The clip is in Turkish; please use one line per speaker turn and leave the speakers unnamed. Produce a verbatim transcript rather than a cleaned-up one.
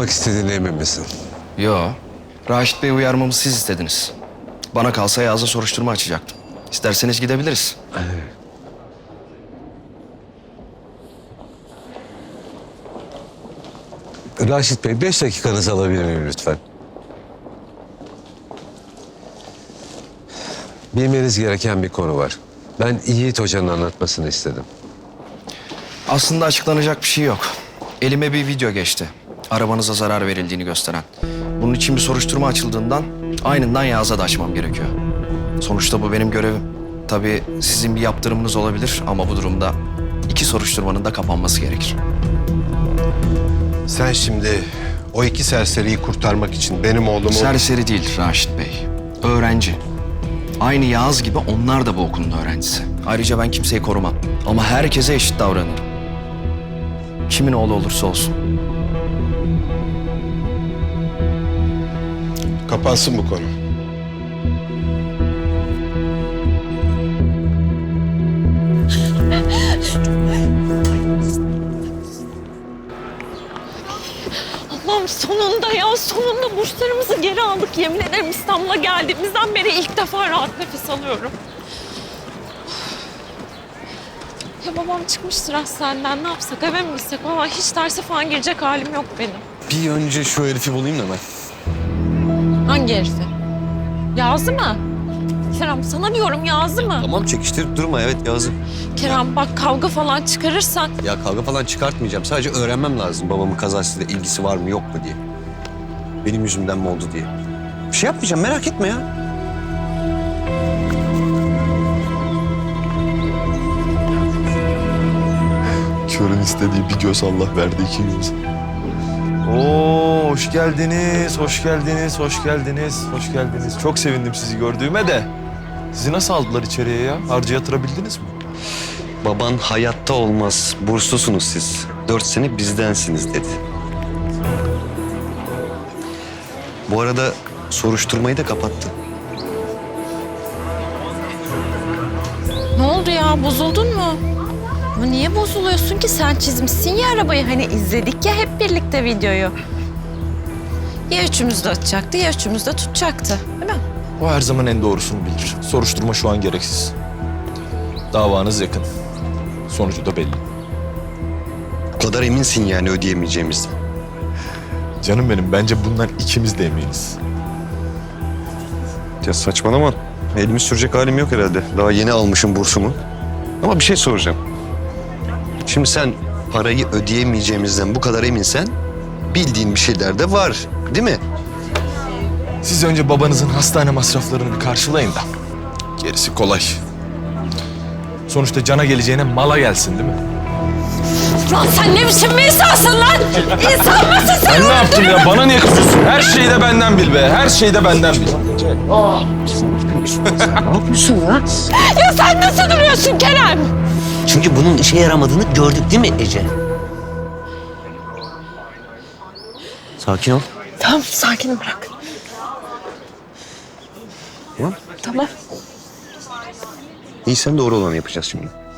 yapmak istediğine emin misin?
Yo. Raşit Bey'i uyarmamı siz istediniz. Bana kalsa Yağız'a soruşturma açacaktım. İsterseniz gidebiliriz.
Raşit Bey, beş dakikanızı alabilir miyim lütfen? Bilmeniz gereken bir konu var. Ben Yiğit Hoca'nın anlatmasını istedim.
Aslında açıklanacak bir şey yok. Elime bir video geçti. Arabanıza zarar verildiğini gösteren. Bunun için bir soruşturma açıldığından aynından Yağız'a da açmam gerekiyor. Sonuçta bu benim görevim. Tabii sizin bir yaptırımınız olabilir ama bu durumda iki soruşturmanın da kapanması gerekir.
Sen şimdi o iki serseriyi kurtarmak için benim oğlumu...
Serseri değil Raşit Bey. Öğrenci. Aynı Yağız gibi onlar da bu okulun öğrencisi. Ayrıca ben kimseyi korumam. Ama herkese eşit davranırım. Kimin oğlu olursa olsun.
Kapansın bu konu.
Allah'ım sonunda ya sonunda burslarımızı geri aldık. Yemin ederim İstanbul'a geldiğimizden beri ilk defa rahat nefes alıyorum. Ya babam çıkmıştır hastaneden, ne yapsak, eve mi gitsek? Valla hiç derse falan girecek halim yok benim.
Bir önce şu herifi bulayım da ben.
Hangi herifi? Yazı mı? Kerem sana diyorum Yazı mı?
Tamam çekiştirip durma, evet Yağız'ım.
Kerem bak kavga falan çıkarırsan.
Ya kavga falan çıkartmayacağım. Sadece öğrenmem lazım babamın kazasıyla ilgisi var mı yok mu diye. Benim yüzümden mi oldu diye. Bir şey yapmayacağım, merak etme ya.
Körün istediği bir göz Allah verdi iki göz. Oo, hoş geldiniz, hoş geldiniz, hoş geldiniz, hoş geldiniz. Çok sevindim sizi gördüğüme de. Sizi nasıl aldılar içeriye ya? Harca yatırabildiniz mi?
Baban hayatta olmaz, burslusunuz siz. Dört sene bizdensiniz dedi. Bu arada soruşturmayı da kapattı.
Ne oldu ya, bozuldun mu? Ama niye bozuluyorsun ki? Sen çizmişsin ya arabayı. Hani izledik ya hep birlikte videoyu. Ya üçümüz de atacaktı ya üçümüz de tutacaktı. Değil mi?
O her zaman en doğrusunu bilir. Soruşturma şu an gereksiz. Davanız yakın. Sonucu da belli.
Bu kadar eminsin yani ödeyemeyeceğimizden.
Canım benim, bence bundan ikimiz de eminiz.
Ya saçmalama. Elimi sürecek halim yok herhalde. Daha yeni almışım bursumu. Ama bir şey soracağım. Şimdi sen parayı ödeyemeyeceğimizden bu kadar eminsen bildiğin bir şeyler de var, değil mi?
Siz önce babanızın hastane masraflarını bir karşılayın da. Gerisi kolay. Sonuçta cana geleceğine mala gelsin değil mi?
Lan sen ne biçim bir insansın lan? İnsan mısın sen?
Ben ne yaptım ya? Bana niye kızıyorsun? Her şeyi de benden bil be. Her şeyi de benden bil.
Ne yapıyorsun ya?
Ya sen nasıl duruyorsun Kerem?
Çünkü bunun işe yaramadığını gördük değil mi Ece? Sakin ol.
Tamam sakin bırak.
Tamam.
Tamam.
İyi, sen doğru olanı yapacağız şimdi.